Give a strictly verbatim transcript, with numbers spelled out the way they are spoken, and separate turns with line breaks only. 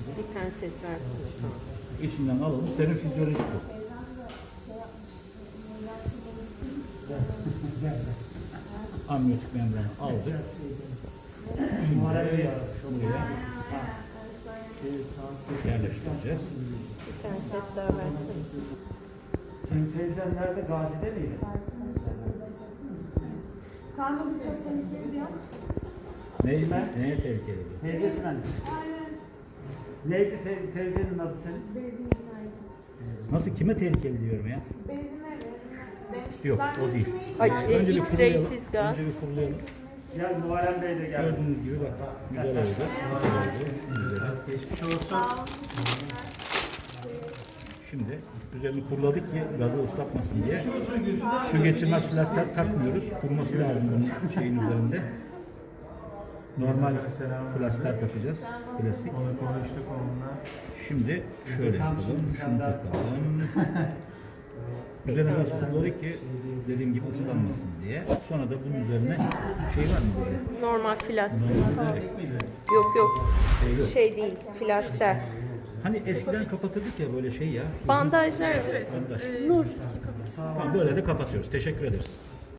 Bir penset versene tamam.
İçinden alalım. Serum fizyolojik bu. Amniyotik membranı aldık. Şimdi şuraya yerleştireceğiz.
Bir penset daha versene.
Senin teyzen nerede? Gazi'de miydi?
Kanka bu çok tehlikeli diyor.
Neye, neye tehlikeli bu?
Teyzesin anne. Neydi te teyzenin adı senin?
Benim
Nasıl, kime tehlikeli diyorum ya?
Benim demiştim.
Yok,
Ben
o değil.
Ay,
Önce
e,
Önce bir kurulayalım.
X-ray'siz gaz.
Önce bir kurulayalım.
Gel Muharrem Bey de geldi.
Gördüğünüz gibi bak, güzel oldu. Güzel oldu. Güzel.
Geçmiş olsun.
Şimdi üzerini kuruladık ki gazı ıslatmasın diye. Su geçirmez flasker takmıyoruz. Kuruması lazım bunun şeyin üzerinde. Normal flasker takacağız. Klasik.
Konuştuk onunla.
Şimdi şöyle yapalım. Şunu takalım. Üzerine gaz kuruladık ki dediğim gibi ıslanmasın diye. Sonra da bunun üzerine şey var mı böyle?
Normal flaster.
Normalde
Yok yok.
şey yok.
Şey değil, flaster.
Hani eskiden kapatırdık ya böyle şey ya.
Bandajlar.
Bandaj. Nur. Tamam, böyle de kapatıyoruz. Teşekkür ederiz.